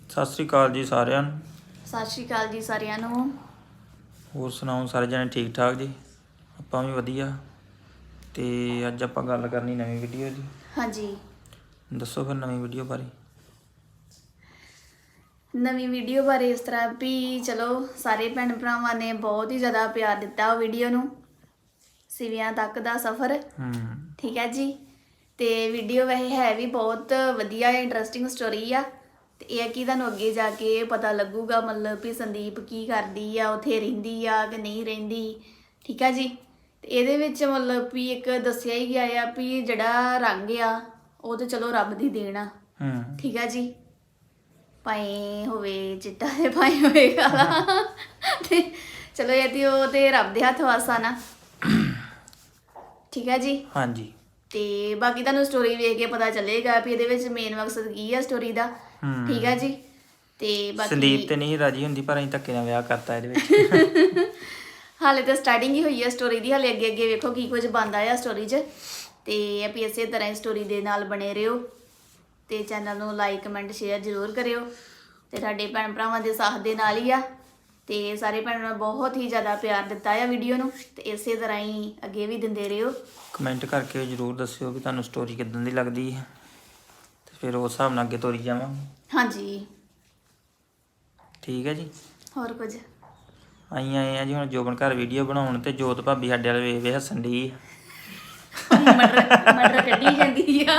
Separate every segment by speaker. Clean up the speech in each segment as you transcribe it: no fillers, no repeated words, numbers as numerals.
Speaker 1: ਸਤਿ ਸ਼੍ਰੀ ਅਕਾਲ ਜੀ ਸਾਰਿਆਂ ਨੂੰ।
Speaker 2: ਸਤਿ ਸ਼੍ਰੀ ਅਕਾਲ ਜੀ ਸਾਰਿਆਂ ਨੂੰ।
Speaker 1: ਹੋਰ ਸੁਣਾਓ ਸਾਰੇ ਜਣੇ ਠੀਕ ਠਾਕ ਜੀ? ਆਪਾਂ ਵੀ ਵਧੀਆ। ਤੇ ਅੱਜ ਆਪਾਂ ਗੱਲ ਕਰਨੀ ਨਵੀਂ ਵੀਡੀਓ ਦੀ।
Speaker 2: ਹਾਂਜੀ,
Speaker 1: ਦੱਸੋ ਫਿਰ ਨਵੀਂ ਵੀਡੀਓ ਬਾਰੇ।
Speaker 2: ਨਵੀਂ ਵੀਡੀਓ ਬਾਰੇ ਇਸ ਤਰ੍ਹਾਂ ਵੀ ਚਲੋ ਸਾਰੇ ਭੈਣ ਭਰਾਵਾਂ ਨੇ ਬਹੁਤ ਹੀ ਜ਼ਿਆਦਾ ਪਿਆਰ ਦਿੱਤਾ ਉਹ ਵੀਡੀਓ ਨੂੰ, ਸਿਵਿਆਂ ਤੱਕ ਦਾ ਸਫ਼ਰ। ਠੀਕ ਹੈ ਜੀ। ਤੇ ਵੀਡੀਓ ਵੈਸੇ ਹੈ ਵੀ ਬਹੁਤ ਵਧੀਆ ਇੰਟਰਸਟਿੰਗ ਸਟੋਰੀ ਆ। ਤੇ ਇਹ ਹੈ ਕਿ ਤੁਹਾਨੂੰ ਅੱਗੇ ਜਾ ਕੇ ਪਤਾ ਲੱਗੂਗਾ ਮਤਲਬ ਵੀ ਸੰਦੀਪ ਕੀ ਕਰਦੀ ਆ, ਉੱਥੇ ਰਹਿੰਦੀ ਆ ਕਿ ਨਹੀਂ ਰਹਿੰਦੀ। ਠੀਕ ਆ ਜੀ। ਤੇ ਇਹਦੇ ਵਿੱਚ ਮਤਲਬ ਵੀ ਇੱਕ ਦੱਸਿਆ ਹੀ ਗਿਆ ਆ ਵੀ ਜਿਹੜਾ ਰੰਗ ਆ ਉਹ ਤੇ ਚਲੋ ਰੱਬ ਦੀ ਦੇਣ ਆ। ਠੀਕ ਆ ਜੀ। ਭਾਵੇਂ ਹੋਵੇ ਚਿੱਟਾ ਤੇ ਭਾਵੇਂ ਹੋਵੇ ਕਾਲਾ, ਤੇ ਚਲੋ ਇਹ ਤੇ ਉਹ ਤੇ ਰੱਬ ਦੇ ਹੱਥ ਵਾਸਾ ਨਾ। ਠੀਕ ਆ ਜੀ।
Speaker 1: ਹਾਂਜੀ।
Speaker 2: ਤੇ ਬਾਕੀ ਤੁਹਾਨੂੰ ਸਟੋਰੀ ਵੇਖ ਕੇ ਪਤਾ ਚੱਲੇਗਾ ਵੀ ਇਹਦੇ ਵਿੱਚ ਮੇਨ ਮਕਸਦ ਕੀ ਆ ਸਟੋਰੀ ਦਾ। ਠੀਕ ਆ ਜੀ। ਤੇ ਬਾਕੀ
Speaker 1: ਸੰਦੀਪ ਤੇ ਨਹੀਂ ਰਾਜੀ ਹੁੰਦੀ ਪਰ ਅਸੀਂ ਧੱਕੇ ਨਾਲ ਵਿਆਹ ਕਰਤਾ ਇਹਦੇ ਵਿੱਚ।
Speaker 2: ਹਾਲੇ ਤਾਂ ਸਟਾਰਟਿੰਗ ਹੀ ਹੋਈ ਆ ਸਟੋਰੀ ਦੀ, ਹਾਲੇ ਅੱਗੇ ਅੱਗੇ ਵੇਖੋ ਕੀ ਕੁਝ ਬਣਦਾ ਆ ਸਟੋਰੀ 'ਚ। ਤੇ ਵੀ ਇਸੇ ਤਰ੍ਹਾਂ ਹੀ ਸਟੋਰੀ ਦੇ ਨਾਲ ਬਣੇ ਰਹੋ ਤੇ ਚੈਨਲ ਨੂੰ ਲਾਈਕ ਕਮੈਂਟ ਸ਼ੇਅਰ ਜ਼ਰੂਰ ਕਰਿਓ। ਤੇ ਸਾਡੇ ਭੈਣ ਭਰਾਵਾਂ ਦੇ ਸਾਥ ਦੇ ਨਾਲ ਹੀ ਆ। ਤੇ ਸਾਰੇ ਭੈਣਾਂ ਨੇ ਬਹੁਤ ਹੀ ਜ਼ਿਆਦਾ ਪਿਆਰ ਦਿੱਤਾ ਆ ਵੀਡੀਓ ਨੂੰ, ਤੇ ਇਸੇ ਤਰ੍ਹਾਂ ਹੀ ਅੱਗੇ ਵੀ ਦਿੰਦੇ ਰਹੋ।
Speaker 1: ਕਮੈਂਟ ਕਰਕੇ ਜ਼ਰੂਰ ਦੱਸਿਓ ਵੀ ਤੁਹਾਨੂੰ ਸਟੋਰੀ ਕਿੱਦਾਂ ਦੀ ਲੱਗਦੀ ਹੈ, ਤੇ ਫਿਰ ਉਸ ਹਿਸਾਬ ਨਾਲ ਅੱਗੇ ਤੋਰੀ ਜਾਵਾਂਗੇ।
Speaker 2: ਹਾਂਜੀ।
Speaker 1: ਠੀਕ ਹੈ ਜੀ।
Speaker 2: ਹੋਰ ਕੁਝ
Speaker 1: ਅਸੀਂ ਆਏ ਆ ਜੀ ਹੁਣ ਜੋਬਨ ਘਰ ਵੀਡੀਓ ਬਣਾਉਣ, ਤੇ ਜੋਤ ਭਾਬੀ ਸਾਡੇ ਵਾਲੇ ਵੇਖ ਵੇਖ ਹੱਸਣ ਡਈ ਆ।
Speaker 2: ਮਟਰ ਕੱਢੀ ਜਾਂਦੀ ਆ।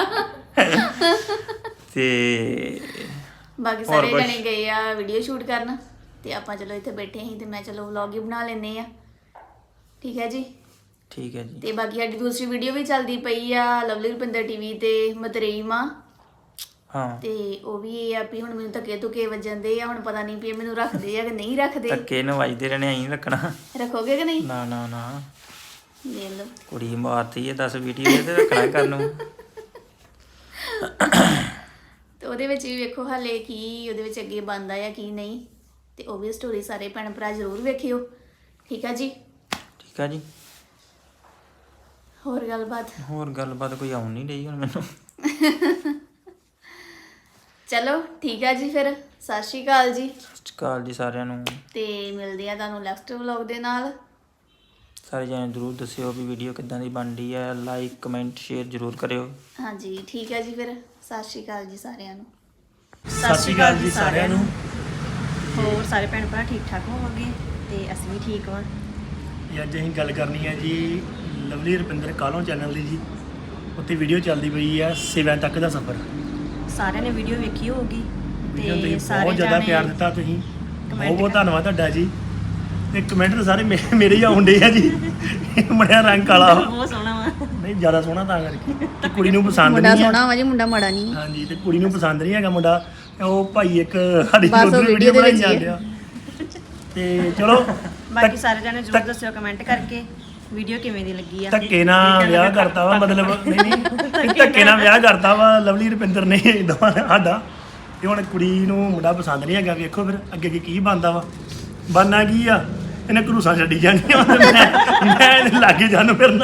Speaker 1: ਤੇ
Speaker 2: ਬਾਕੀ ਸਾਰੇ ਜਣੇ ਗਏ ਆ ਵੀਡੀਓ ਸ਼ੂਟ ਕਰਨ, ਤੇ ਆਪਾਂ ਚਲੋ ਇੱਥੇ ਬੈਠੇ ਸੀ ਤੇ ਮੈਂ ਚਲੋ ਵਲੌਗ ਹੀ ਬਣਾ ਲੈਂਦੇ ਆ। ਠੀਕ ਹੈ ਜੀ।
Speaker 1: ਠੀਕ ਹੈ ਜੀ।
Speaker 2: ਤੇ ਬਾਕੀ ਸਾਡੀ ਦੂਸਰੀ ਵੀਡੀਓ ਵੀ ਚੱਲਦੀ ਪਈ ਆ ਲਵਲੀ ਰੁਪਿੰਦਰ ਟੀਵੀ ਤੇ, ਮਤਰੇਈ ਮਾਂ।
Speaker 1: ਹਾਂ।
Speaker 2: ਤੇ ਉਹ ਵੀ ਇਹ ਆ ਵੀ ਹੁਣ ਮੈਨੂੰ ਧੱਕੇ ਧੁੱਕੇ ਵੱਜਣਦੇ ਆ, ਹੁਣ ਪਤਾ ਨਹੀਂ ਵੀ ਮੈਨੂੰ ਰੱਖਦੇ ਆ ਕਿ ਨਹੀਂ ਰੱਖਦੇ।
Speaker 1: ਧੱਕੇ ਨੂੰ ਵੱਜਦੇ ਰਹਿਣੇ, ਅਸੀਂ ਰੱਖਣਾ।
Speaker 2: ਰੱਖੋਗੇ ਕਿ ਨਹੀਂ?
Speaker 1: ਨਾ ਨਾ ਨਾ,
Speaker 2: ਦੇਖ ਲਓ
Speaker 1: ਕੁੜੀ ਮਾਰਤੀ ਹੈ 10 ਵੀਡੀਓ ਤੇ ਰੱਖਣਾ ਕਰਨ ਨੂੰ।
Speaker 2: ਤੇ ਉਹਦੇ ਵਿੱਚ ਵੀ ਵੇਖੋ ਹਾਲੇ ਕੀ ਉਹਦੇ ਵਿੱਚ ਅੱਗੇ ਬਣਦਾ ਆ ਕੀ ਨਹੀਂ, ਤੇ ਉਹ ਵੀ ਸਟੋਰੀ ਸਾਰੇ ਭੈਣ ਭਰਾ ਜ਼ਰੂਰ ਵੇਖਿਓ। ਠੀਕ ਆ ਜੀ।
Speaker 1: ਠੀਕ ਆ ਜੀ।
Speaker 2: ਹੋਰ ਗੱਲਬਾਤ
Speaker 1: ਕੋਈ ਆਉਣ ਨਹੀਂ ਰਹੀ ਹੁਣ ਮੈਨੂੰ।
Speaker 2: ਚਲੋ ਠੀਕ ਆ ਜੀ, ਫਿਰ ਸਤਿ ਸ਼੍ਰੀ ਅਕਾਲ ਜੀ।
Speaker 1: ਸਤਿ ਸ਼੍ਰੀ ਅਕਾਲ ਜੀ ਸਾਰਿਆਂ ਨੂੰ।
Speaker 2: ਤੇ ਮਿਲਦੇ ਆ ਤੁਹਾਨੂੰ ਨੈਕਸਟ ਵਲੌਗ ਦੇ ਨਾਲ।
Speaker 1: ਸਾਰੇ ਜਣੇ ਜ਼ਰੂਰ ਦੱਸਿਓ ਵੀ ਵੀਡੀਓ ਕਿੱਦਾਂ ਦੀ ਬਣਦੀ ਹੈ, ਲਾਈਕ ਕਮੈਂਟ ਸ਼ੇਅਰ ਜ਼ਰੂਰ ਕਰਿਓ।
Speaker 2: ਹਾਂਜੀ ਠੀਕ ਹੈ ਜੀ, ਫਿਰ ਸਤਿ ਸ਼੍ਰੀ ਅਕਾਲ ਜੀ ਸਾਰਿਆਂ ਨੂੰ।
Speaker 3: ਸਤਿ ਸ਼੍ਰੀ ਅਕਾਲ ਜੀ ਸਾਰਿਆਂ ਨੂੰ।
Speaker 4: ਹੋਰ ਸਾਰੇ ਭੈਣ ਭਰਾ ਠੀਕ ਠਾਕ ਹੋਵੋਗੇ? ਤੇ ਅਸੀਂ ਵੀ ਠੀਕ ਹਾਂ।
Speaker 3: ਅੱਜ ਅਸੀਂ ਗੱਲ ਕਰਨੀ ਹੈ ਜੀ ਲਵਲੀ ਰੁਪਿੰਦਰ ਕਾਲੋਂ ਚੈਨਲ ਦੀ ਜੀ। ਉੱਤੇ ਵੀਡੀਓ ਚੱਲਦੀ ਪਈ ਆ ਸਿਵਿਆਂ ਤੱਕ ਦਾ ਸਫ਼ਰ।
Speaker 4: ਸਾਰਿਆਂ ਨੇ ਵੀਡੀਓ ਵੇਖੀ ਹੋਊਗੀ
Speaker 3: ਵੀਡੀਓ ਤੁਸੀਂ
Speaker 4: ਤੇ ਸਾਰੇ
Speaker 3: ਬਹੁਤ ਜ਼ਿਆਦਾ
Speaker 4: ਜਾਣੇ
Speaker 3: ਪਿਆਰ ਦਿੱਤਾ ਤੁਸੀਂ, ਬਹੁਤ ਬਹੁਤ
Speaker 4: ਕਰ-
Speaker 3: ਧੰਨਵਾਦ ਤੁਹਾਡਾ ਜੀ। ਤੇ ਕਮੈਂਟ ਤਾਂ ਸਾਰੇ ਮੇਰੇ ਹੀ ਆਉਂਦੇ ਆ ਜੀ। ਮੁੰਡਿਆ ਰੰਗ ਕਾਲਾ ਵਾ।
Speaker 4: ਬਹੁਤ ਸੋਹਣਾ ਵਾ।
Speaker 3: ਨਹੀਂ ਜ਼ਿਆਦਾ ਸੋਹਣਾ ਤਾਂ ਕਰਕੇ, ਤੇ ਕੁੜੀ ਨੂੰ ਪਸੰਦ
Speaker 2: ਮੁੰਡਾ
Speaker 3: ਨਹੀਂ
Speaker 2: ਸੋਹਣਾ
Speaker 3: ਆ।
Speaker 2: ਵਾ ਜੀ, ਮੁੰਡਾ ਮਾੜਾ ਨਹੀਂ।
Speaker 3: ਹਾਂਜੀ, ਤੇ ਕੁੜੀ ਨੂੰ ਪਸੰਦ ਨਹੀਂ ਹੈਗਾ ਮੁੰਡਾ। ਤੇ ਉਹ ਭਾਈ ਇੱਕ ਸਾਡੀ
Speaker 2: ਬਸ ਉਹ
Speaker 3: ਵੀਡੀਓ
Speaker 2: ਵੀਡੀਓ ਦੇ
Speaker 3: ਬਣਾਈ
Speaker 2: ਵਿੱਚ ਹੀ
Speaker 3: ਜਾਂਦੇ ਆ। ਤੇ ਚਲੋ
Speaker 4: ਬਾਕੀ ਸਾਰੇ ਜਾਣੇ ਜ਼ਰੂਰ ਦੱਸਿਓ ਕਮੈਂਟ ਕਰਕੇ ਵੀਡੀਓ ਕਿਵੇਂ ਦੀ ਲੱਗੀ ਆ।
Speaker 3: ਧੱਕੇ ਨਾਲ ਵਿਆਹ ਕਰਤਾ ਵਾ, ਮਤਲਬ ਨਹੀਂ ਧੱਕੇ ਨਾਲ ਵਿਆਹ ਕਰਤਾ ਵਾ ਲਵਲੀ ਰੁਪਿੰਦਰ ਨੇ ਦੋਵਾਂ ਨੇ ਸਾਡਾ। ਤੇ ਹੁਣ ਕੁੜੀ ਨੂੰ ਮੁੰਡਾ ਪਸੰਦ ਨਹੀਂ ਹੈਗਾ। ਵੇਖੋ ਫਿਰ ਅੱਗੇ ਅੱਗੇ ਕੀ ਬਣਦਾ ਵਾ। ਬਣਨਾ ਕੀ ਆ, ਇਹਨੇ ਘਰੂਸਾਂ ਛੱਡੀ ਜਾਂਦੀਆਂ। ਮੈਂ ਇਹਦੇ ਲਾਗੇ ਜਾਨੂੰ ਫਿਰਨਾ।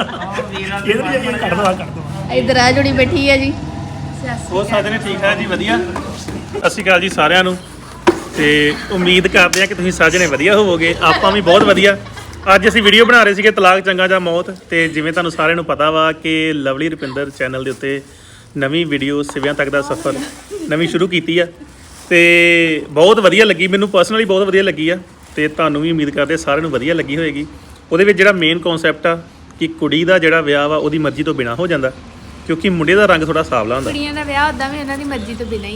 Speaker 3: ਇਹਦੇ ਕੱਢ ਦਵਾ
Speaker 2: ਇਧਰ ਆ ਜੁੜੀ ਬੈਠੀ ਆ ਜੀ।
Speaker 5: ਹੋਰ ਸਾਰੇ ਨੇ ਠੀਕ ਠਾਕ ਜੀ, ਵਧੀਆ। ਸਤਿ ਸ਼੍ਰੀ ਅਕਾਲ ਜੀ ਸਾਰਿਆਂ ਨੂੰ। ਤੇ ਉਮੀਦ ਕਰਦੇ ਆ ਕਿ ਤੁਸੀਂ ਸਾਰੇ ਜਣੇ ਵਧੀਆ ਹੋਵੋਗੇ। ਆਪਾਂ ਵੀ ਬਹੁਤ ਵਧੀਆ। ਅੱਜ ਅਸੀਂ ਵੀਡੀਓ ਬਣਾ ਰਹੇ ਸੀਗੇ ਤਲਾਕ ਚੰਗਾ ਜਾਂ ਮੌਤ। ਤੇ ਜਿਵੇਂ ਤੁਹਾਨੂੰ ਸਾਰਿਆਂ ਨੂੰ ਪਤਾ ਵਾ ਕਿ ਲਵਲੀ ਰੁਪਿੰਦਰ ਚੈਨਲ ਦੇ ਉੱਤੇ ਨਵੀਂ ਵੀਡੀਓ ਸਿਵਿਆਂ ਤੱਕ ਦਾ ਸਫ਼ਰ ਨਵੀਂ ਸ਼ੁਰੂ ਕੀਤੀ ਆ, ਤੇ ਬਹੁਤ ਵਧੀਆ ਲੱਗੀ ਮੈਨੂੰ, ਪਰਸਨਲੀ ਬਹੁਤ ਵਧੀਆ ਲੱਗੀ ਆ। ਤੇ ਤੁਹਾਨੂੰ ਵੀ ਉਮੀਦ ਕਰਦੇ ਸਾਰਿਆਂ ਨੂੰ ਵਧੀਆ ਲੱਗੀ ਹੋਏਗੀ। ਉਹਦੇ ਵਿੱਚ ਜਿਹੜਾ ਮੇਨ ਕਨਸੈਪਟ ਆ ਕਿ ਕੁੜੀ ਦਾ ਜਿਹੜਾ ਵਿਆਹ ਵਾ ਉਹਦੀ ਮਰਜ਼ੀ ਤੋਂ ਬਿਨਾਂ ਹੋ ਜਾਂਦਾ, ਕਿਉਂਕਿ ਮੁੰਡੇ ਦਾ ਰੰਗ ਥੋੜਾ ਸਾਵਲਾ ਹੁੰਦਾ।
Speaker 2: ਕੁੜੀਆਂ ਦਾ ਵਿਆਹ ਉਦਾਂ ਵੀ ਉਹਨਾਂ ਦੀ ਮਰਜ਼ੀ ਤੋਂ ਬਿਨਾਂ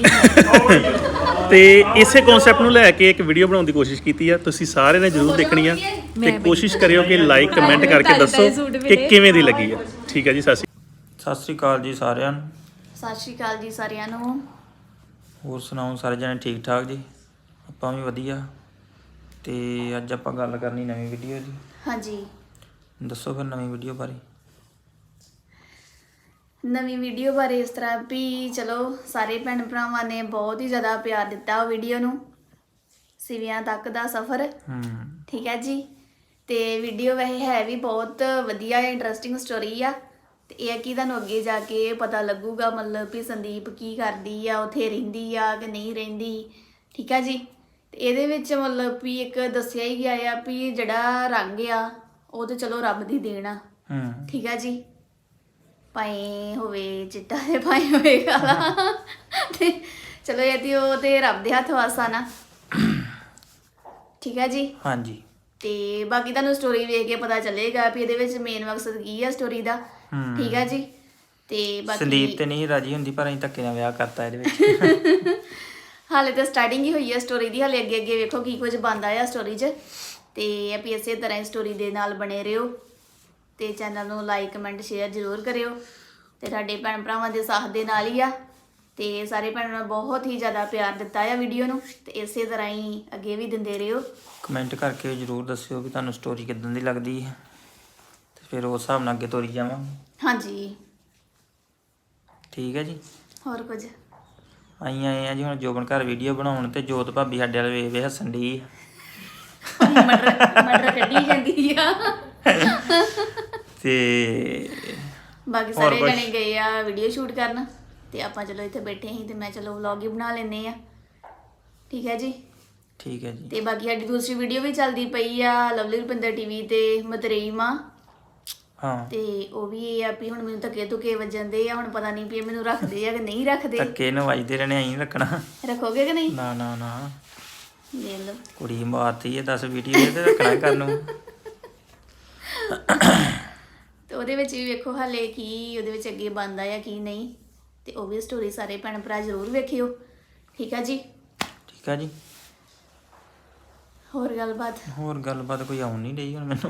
Speaker 2: ਹੀ।
Speaker 5: ਤੇ ਇਸੇ ਕਨਸੈਪਟ ਨੂੰ ਲੈ ਕੇ ਇੱਕ ਵੀਡੀਓ ਬਣਾਉਣ ਦੀ ਕੋਸ਼ਿਸ਼ ਕੀਤੀ ਆ। ਤੁਸੀਂ ਸਾਰਿਆਂ ਨੇ ਜ਼ਰੂਰ ਦੇਖਣੀ ਆ, ਤੇ ਕੋਸ਼ਿਸ਼ ਕਰਿਓ ਕਿ ਲਾਈਕ ਕਮੈਂਟ ਕਰਕੇ ਦੱਸੋ ਕਿ ਕਿਵੇਂ ਦੀ ਲੱਗੀ ਆ। ਠੀਕ ਹੈ ਜੀ,
Speaker 1: ਸਤਿ ਸ਼੍ਰੀ ਅਕਾਲ ਜੀ ਸਾਰਿਆਂ ਨੂੰ।
Speaker 2: ਸਤਿ ਸ਼੍ਰੀ ਅਕਾਲ ਜੀ ਸਾਰਿਆਂ ਨੂੰ।
Speaker 1: ਹੋਰ ਸੁਣਾਓ ਸਾਰੇ ਜਣੇ ਠੀਕ ਠਾਕ ਜੀ? ਆਪਾਂ ਵੀ ਵਧੀਆ। ਤੇ ਅੱਜ ਆਪਾਂ ਗੱਲ ਕਰਨੀ ਨਵੀਂ ਵੀਡੀਓ ਦੀ।
Speaker 2: ਹਾਂਜੀ,
Speaker 1: ਦੱਸੋ ਫਿਰ ਨਵੀਂ ਵੀਡੀਓ ਬਾਰੇ।
Speaker 2: ਨਵੀਂ ਵੀਡੀਓ ਬਾਰੇ ਇਸ ਤਰ੍ਹਾਂ ਵੀ ਚਲੋ ਸਾਰੇ ਭੈਣ ਭਰਾਵਾਂ ਨੇ ਬਹੁਤ ਹੀ ਜ਼ਿਆਦਾ ਪਿਆਰ ਦਿੱਤਾ ਉਹ ਵੀਡੀਓ ਨੂੰ, ਸਿਵਿਆਂ ਤੱਕ ਦਾ ਸਫ਼ਰ। ਠੀਕ ਹੈ ਜੀ। ਤੇ ਵੀਡੀਓ ਵੈਸੇ ਹੈ ਵੀ ਬਹੁਤ ਵਧੀਆ ਇੰਟਰਸਟਿੰਗ ਸਟੋਰੀ ਆ। ਤੇ ਇਹ ਹੈ ਕਿ ਤੁਹਾਨੂੰ ਅੱਗੇ ਜਾ ਕੇ ਪਤਾ ਲੱਗੂਗਾ ਮਤਲਬ ਵੀ ਸੰਦੀਪ ਕੀ ਕਰਦੀ ਆ, ਉੱਥੇ ਰਹਿੰਦੀ ਆ ਕਿ ਨਹੀਂ ਰਹਿੰਦੀ। ਠੀਕ ਆ ਜੀ। ਤੇ ਇਹਦੇ ਵਿੱਚ ਮਤਲਬ ਵੀ ਇੱਕ ਦੱਸਿਆ ਹੀ ਗਿਆ ਆ ਵੀ ਜਿਹੜਾ ਰੰਗ ਆ ਉਹ ਤੇ ਚਲੋ ਰੱਬ ਦੀ ਦੇਣ ਆ, ਠੀਕ ਆ ਜੀ। ਭਾਵੇਂ ਹੋਵੇ ਚਿੱਟਾ ਤੇ ਭਾਵੇਂ ਹੋਵੇ ਕਾਲਾ, ਤੇ ਚਲੋ ਇਹ ਤੇ ਉਹ ਤੇ ਰੱਬ ਦੇ ਹੱਥ ਵਾਸਾ ਨਾ, ਠੀਕ ਆ ਜੀ।
Speaker 1: ਹਾਂਜੀ।
Speaker 2: ਤੇ ਬਾਕੀ ਤੁਹਾਨੂੰ ਸਟੋਰੀ ਵੇਖ ਕੇ ਪਤਾ ਚੱਲੇਗਾ ਵੀ ਇਹਦੇ ਵਿੱਚ ਮੇਨ ਮਕਸਦ ਕੀ ਆ ਸਟੋਰੀ ਦਾ, ਠੀਕ ਆ ਜੀ। ਤੇ ਬਾਕੀ
Speaker 1: ਸੰਦੀਪ ਤੇ ਨਹੀਂ ਰਾਜੀ ਹੁੰਦੀ, ਪਰ ਅਸੀਂ ਧੱਕੇ ਨਾਲ ਵਿਆਹ ਕਰਤਾ ਇਹਦੇ ਵਿੱਚ।
Speaker 2: ਹਾਲੇ ਤਾਂ ਸਟਾਰਟਿੰਗ ਹੀ ਹੋਈ ਹੈ ਸਟੋਰੀ ਦੀ, ਹਾਲੇ ਅੱਗੇ ਅੱਗੇ ਵੇਖੋ ਕੀ ਕੁਝ ਬਣਦਾ ਆ ਸਟੋਰੀ 'ਚ। ਤੇ ਆਪੀ ਇਸੇ ਤਰ੍ਹਾਂ ਹੀ ਸਟੋਰੀ ਦੇ ਨਾਲ ਬਣੇ ਰਹੋ ਤੇ ਚੈਨਲ ਨੂੰ ਲਾਈਕ ਕਮੈਂਟ ਸ਼ੇਅਰ ਜ਼ਰੂਰ ਕਰਿਓ। ਤੇ ਸਾਡੇ ਭੈਣ ਭਰਾਵਾਂ ਦੇ ਸਾਥ ਦੇ ਨਾਲ ਹੀ ਆ, ਤੇ ਸਾਰੇ ਭੈਣਾਂ ਨੇ ਬਹੁਤ ਹੀ ਜ਼ਿਆਦਾ ਪਿਆਰ ਦਿੱਤਾ ਆ ਵੀਡੀਓ ਨੂੰ, ਤੇ ਇਸੇ ਤਰ੍ਹਾਂ ਹੀ ਅੱਗੇ ਵੀ ਦਿੰਦੇ ਰਹੋ।
Speaker 1: ਕਮੈਂਟ ਕਰਕੇ ਜ਼ਰੂਰ ਦੱਸਿਓ ਵੀ ਤੁਹਾਨੂੰ ਸਟੋਰੀ ਕਿੱਦਾਂ ਦੀ ਲੱਗਦੀ ਹੈ, ਤੇ ਫਿਰ ਉਸ ਹਿਸਾਬ ਨਾਲ ਅੱਗੇ ਤੋਰੀ ਜਾਵਾਂਗੇ।
Speaker 2: ਹਾਂਜੀ,
Speaker 1: ਠੀਕ ਹੈ ਜੀ।
Speaker 2: ਹੋਰ ਕੁਝ
Speaker 1: ਅਸੀਂ ਆਏ ਆ ਜੀ ਹੁਣ ਜੋਬਨ ਘਰ ਵੀਡੀਓ ਬਣਾਉਣ, ਤੇ ਜੋਤ ਭਾਬੀ ਸਾਡੇ ਵਾਲੇ ਵੇਖ ਵੇ ਹੱਸਣ ਦੀ।
Speaker 2: ਮਟਰ ਕੱਢੀ ਜਾਂਦੀ ਆ।
Speaker 1: ਤੇ
Speaker 2: ਬਾਕੀ ਸਾਰੇ ਜਣੇ ਗਏ ਆ ਵੀਡੀਓ ਸ਼ੂਟ ਕਰਨ, ਤੇ ਆਪਾਂ ਚਲੋ ਇੱਥੇ ਬੈਠੇ ਸੀ, ਤੇ ਮੈਂ ਚਲੋ ਵਲੌਗ ਹੀ ਬਣਾ ਲੈਂਦੇ ਆ, ਠੀਕ ਹੈ ਜੀ।
Speaker 1: ਠੀਕ ਹੈ ਜੀ।
Speaker 2: ਤੇ ਬਾਕੀ ਸਾਡੀ ਦੂਸਰੀ ਵੀਡੀਓ ਵੀ ਚੱਲਦੀ ਪਈ ਆ ਲਵਲੀ ਰੁਪਿੰਦਰ ਟੀਵੀ ਤੇ ਮਤਰੇਈ ਮਾਂ,
Speaker 1: ਹਾਂ।
Speaker 2: ਤੇ ਉਹ ਵੀ ਇਹ ਆ ਵੀ ਹੁਣ ਮੈਨੂੰ ਧੱਕੇ ਧੁਕੇ ਵੱਜਣਦੇ ਆ, ਹੁਣ ਪਤਾ ਨਹੀਂ ਵੀ ਇਹ ਮੈਨੂੰ ਰੱਖਦੇ ਆ ਕਿ ਨਹੀਂ ਰੱਖਦੇ।
Speaker 1: ਧੱਕੇ ਨੂੰ ਵੱਜਦੇ ਰਹਿਣੇ, ਅਸੀਂ ਨੀ ਰੱਖਣਾ।
Speaker 2: ਰੱਖੋਗੇ ਕਿ ਨਹੀਂ?
Speaker 1: ਨਾ ਨਾ ਨਾ,
Speaker 2: ਦੇਖ ਲਓ
Speaker 1: ਕੁੜੀ ਮਾਰਤੀ ਹੈ 10 ਵੀਡੀਓ ਤੇ ਰੱਖਣਾ ਕਰਨ ਨੂੰ।
Speaker 2: ਤੇ ਉਹਦੇ ਵਿੱਚ ਵੀ ਵੇਖੋ ਹਾਲੇ ਕੀ ਉਹਦੇ ਵਿੱਚ ਅੱਗੇ ਬਣਦਾ ਆ ਕੀ ਨਹੀਂ, ਤੇ ਉਹ ਵੀ ਸਟੋਰੀ ਸਾਰੇ ਭੈਣ ਭਰਾ ਜ਼ਰੂਰ ਵੇਖਿਓ, ਠੀਕ ਆ ਜੀ।
Speaker 1: ਠੀਕ ਆ ਜੀ।
Speaker 2: ਹੋਰ ਗੱਲਬਾਤ
Speaker 1: ਕੋਈ ਆਉਣ ਨਹੀਂ ਰਹੀ ਹੁਣ ਮੈਨੂੰ।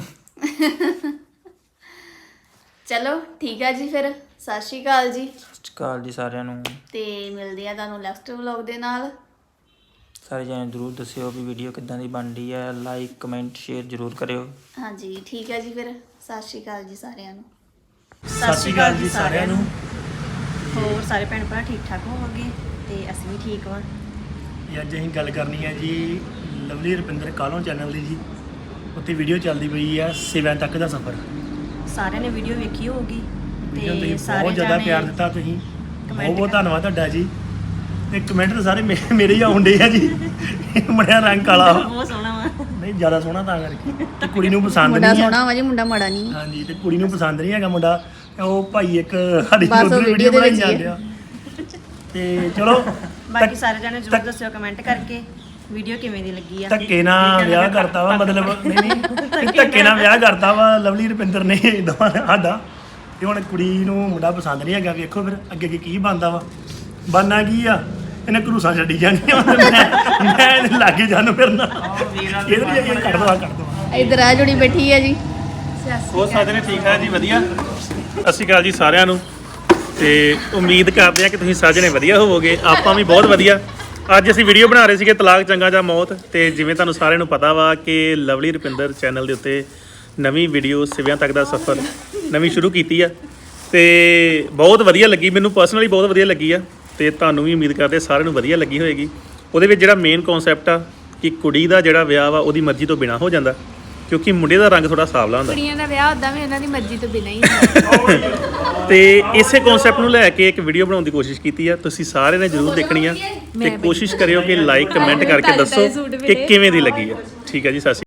Speaker 2: ਚਲੋ ਠੀਕ ਆ ਜੀ, ਫਿਰ ਸਤਿ ਸ਼੍ਰੀ ਅਕਾਲ ਜੀ।
Speaker 1: ਸਤਿ ਸ਼੍ਰੀ ਅਕਾਲ ਜੀ ਸਾਰਿਆਂ ਨੂੰ।
Speaker 2: ਤੇ ਮਿਲਦੇ ਆ ਤੁਹਾਨੂੰ ਨੈਕਸਟ ਵਲੌਗ ਦੇ ਨਾਲ।
Speaker 1: ਸਾਰੇ ਜਣੇ ਜ਼ਰੂਰ ਦੱਸਿਓ ਵੀ ਵੀਡੀਓ ਕਿੱਦਾਂ ਦੀ ਬਣਦੀ ਹੈ, ਲਾਈਕ ਕਮੈਂਟ ਸ਼ੇਅਰ ਜ਼ਰੂਰ ਕਰਿਓ।
Speaker 2: ਹਾਂਜੀ ਠੀਕ ਆ ਜੀ, ਫਿਰ ਸਤਿ ਸ਼੍ਰੀ ਅਕਾਲ ਜੀ ਸਾਰਿਆਂ ਨੂੰ।
Speaker 3: ਸਤਿ ਸ਼੍ਰੀ ਅਕਾਲ ਜੀ ਸਾਰਿਆਂ ਨੂੰ।
Speaker 4: ਹੋਰ ਸਾਰੇ ਭੈਣ ਭਰਾ ਠੀਕ ਠਾਕ ਹੋਵੋਗੇ, ਤੇ ਅਸੀਂ ਵੀ ਠੀਕ ਵਾਂ।
Speaker 3: ਅੱਜ ਅਸੀਂ ਗੱਲ ਕਰਨੀ ਹੈ ਜੀ ਲਵਲੀ ਰੁਪਿੰਦਰ ਕਾਲੋਂ ਚੈਨਲ ਦੀ ਜੀ। ਉੱਥੇ ਵੀਡੀਓ ਚੱਲਦੀ ਪਈ ਆ ਸਿਵਿਆਂ ਤੱਕ ਦਾ ਸਫ਼ਰ।
Speaker 4: ਸਾਰਿਆਂ ਨੇ ਵੀਡੀਓ ਵੇਖੀ ਹੋਊਗੀ,
Speaker 3: ਵੀਡੀਓ
Speaker 4: ਤੇ
Speaker 3: ਤੁਸੀਂ
Speaker 4: ਸਾਰੇ
Speaker 3: ਬਹੁਤ ਜ਼ਿਆਦਾ
Speaker 4: ਜਾਣੇ
Speaker 3: ਪਿਆਰ ਦਿੱਤਾ ਤੁਸੀਂ,
Speaker 4: comment
Speaker 3: ਬਹੁਤ ਬਹੁਤ ਧੰਨਵਾਦ ਤੁਹਾਡਾ ਜੀ। ਤੇ ਕਮੈਂਟ ਤਾਂ ਸਾਰੇ ਮੇਰੇ ਹੀ ਆਉਂਦੇ ਆ ਜੀ। ਮੁੰਡਿਆਂ ਰੰਗ ਕਾਲਾ ਵਾ।
Speaker 4: ਬਹੁਤ ਸੋਹਣਾ ਵਾ।
Speaker 3: ਨਹੀਂ ਜ਼ਿਆਦਾ ਸੋਹਣਾ ਤਾਂ ਕਰਕੇ, ਤੇ ਕੁੜੀ ਨੂੰ ਪਸੰਦ
Speaker 2: ਮੁੰਡਾ
Speaker 3: ਨਹੀਂ ਆ।
Speaker 2: ਸੋਹਣਾ ਵਾ ਜੀ, ਮੁੰਡਾ ਮਾੜਾ ਨਹੀਂ।
Speaker 3: ਹਾਂਜੀ, ਤੇ ਕੁੜੀ ਨੂੰ ਪਸੰਦ ਨਹੀਂ ਹੈਗਾ ਮੁੰਡਾ। ਤੇ ਉਹ ਭਾਈ ਇੱਕ ਸਾਡੀ
Speaker 2: ਬਸ ਉਹ
Speaker 3: ਉਧਰ
Speaker 2: video
Speaker 3: ਵੀਡੀਓ
Speaker 2: ਦੇ
Speaker 3: ਬਣਾਈ
Speaker 2: ਵਿੱਚ ਹੀ
Speaker 3: ਜਾਂਦੇ ਆ। ਤੇ ਚਲੋ
Speaker 4: ਬਾਕੀ ਸਾਰੇ ਜਾਣੇ ਜ਼ਰੂਰ ਦੱਸਿਓ ਕਮੈਂਟ ਕਰਕੇ ਵੀਡੀਓ ਕਿਵੇਂ ਦੀ ਲੱਗੀ ਆ।
Speaker 3: ਧੱਕੇ ਨਾਲ ਵਿਆਹ ਕਰਤਾ ਵਾ, ਮਤਲਬ ਨਹੀਂ ਧੱਕੇ ਨਾਲ ਵਿਆਹ ਕਰਤਾ ਵਾ ਲਵਲੀ ਰੁਪਿੰਦਰ ਨੇ ਦੋਵਾਂ ਨੇ ਸਾਡਾ। ਤੇ ਹੁਣ ਕੁੜੀ ਨੂੰ ਮੁੰਡਾ ਪਸੰਦ ਨਹੀਂ ਹੈਗਾ, ਵੇਖੋ ਫਿਰ ਅੱਗੇ ਅੱਗੇ ਕੀ ਬਣਦਾ ਵਾ। ਬਣਨਾ ਕੀ ਆ, ਇਹਨੇ ਘਰੂਸਾਂ ਛੱਡੀ ਜਾਣੀਆਂ। ਮੈਂ ਇਹਦੇ ਲਾਗੇ ਜਾਣ ਫਿਰਨਾ। ਇਹਦੇ ਲਈ ਇਹ ਕੱਢ ਦਵਾ।
Speaker 2: ਇਧਰ ਆ ਜੁੜੀ ਬੈਠੀ ਆ ਜੀ।
Speaker 5: ਹੋਰ ਸਾਰੇ ਨੇ ਠੀਕ ਠਾਕ ਜੀ, ਵਧੀਆ। ਸਤਿ ਸ਼੍ਰੀ ਅਕਾਲ ਜੀ ਸਾਰਿਆਂ ਨੂੰ। ਤੇ ਉਮੀਦ ਕਰਦੇ ਆ ਕਿ ਤੁਸੀਂ ਸਾਰੇ ਜਣੇ ਵਧੀਆ ਹੋਵੋਗੇ, ਆਪਾਂ ਵੀ ਬਹੁਤ ਵਧੀਆ। ਅੱਜ ਅਸੀਂ ਵੀਡੀਓ ਬਣਾ ਰਹੇ ਸੀਗੇ ਤਲਾਕ ਚੰਗਾ ਜਾਂ ਮੌਤ। ਤੇ ਜਿਵੇਂ ਤੁਹਾਨੂੰ ਸਾਰਿਆਂ ਨੂੰ ਪਤਾ ਵਾ ਕਿ ਲਵਲੀ ਰੁਪਿੰਦਰ ਚੈਨਲ ਦੇ ਉੱਤੇ ਨਵੀਂ ਵੀਡੀਓ ਸਿਵਿਆਂ ਤੱਕ ਦਾ ਸਫ਼ਰ ਨਵੀਂ ਸ਼ੁਰੂ ਕੀਤੀ ਆ, ਤੇ ਬਹੁਤ ਵਧੀਆ ਲੱਗੀ ਮੈਨੂੰ, ਪਰਸਨਲੀ ਬਹੁਤ ਵਧੀਆ ਲੱਗੀ ਆ। ਤੇ ਤੁਹਾਨੂੰ ਵੀ ਉਮੀਦ ਕਰਦੇ ਸਾਰਿਆਂ ਨੂੰ ਵਧੀਆ ਲੱਗੀ ਹੋਏਗੀ। ਉਹਦੇ ਵਿੱਚ ਜਿਹੜਾ ਮੇਨ ਕਨਸੈਪਟ ਆ ਕਿ ਕੁੜੀ ਦਾ ਜਿਹੜਾ ਵਿਆਹ ਵਾ ਉਹਦੀ ਮਰਜ਼ੀ ਤੋਂ ਬਿਨਾ ਹੋ ਜਾਂਦਾ, ਕਿਉਂਕਿ ਮੁੰਡੇ ਦਾ ਰੰਗ ਥੋੜਾ ਸਾਵਲਾ ਹੁੰਦਾ।
Speaker 2: ਕੁੜੀਆਂ ਦਾ ਵਿਆਹ ਉਦਾਂ ਵੀ ਉਹਨਾਂ ਦੀ ਮਰਜ਼ੀ ਤੋਂ ਬਿਨਾਂ ਹੀ
Speaker 5: ਤੇ ਇਸੇ ਕਨਸੈਪਟ ਨੂੰ ਲੈ ਕੇ ਇੱਕ ਵੀਡੀਓ ਬਣਾਉਣ ਦੀ ਕੋਸ਼ਿਸ਼ ਕੀਤੀ ਆ। ਤੁਸੀਂ ਸਾਰਿਆਂ ਨੇ ਜ਼ਰੂਰ ਦੇਖਣੀ ਆ, ਤੇ ਕੋਸ਼ਿਸ਼ ਕਰਿਓ ਕਿ ਲਾਈਕ ਕਮੈਂਟ ਕਰਕੇ ਦੱਸੋ ਕਿ ਕਿਵੇਂ ਦੀ ਲੱਗੀ ਆ। ਠੀਕ ਹੈ ਜੀ, ਸਤਿ ਸ਼੍ਰੀ ਅਕਾਲ।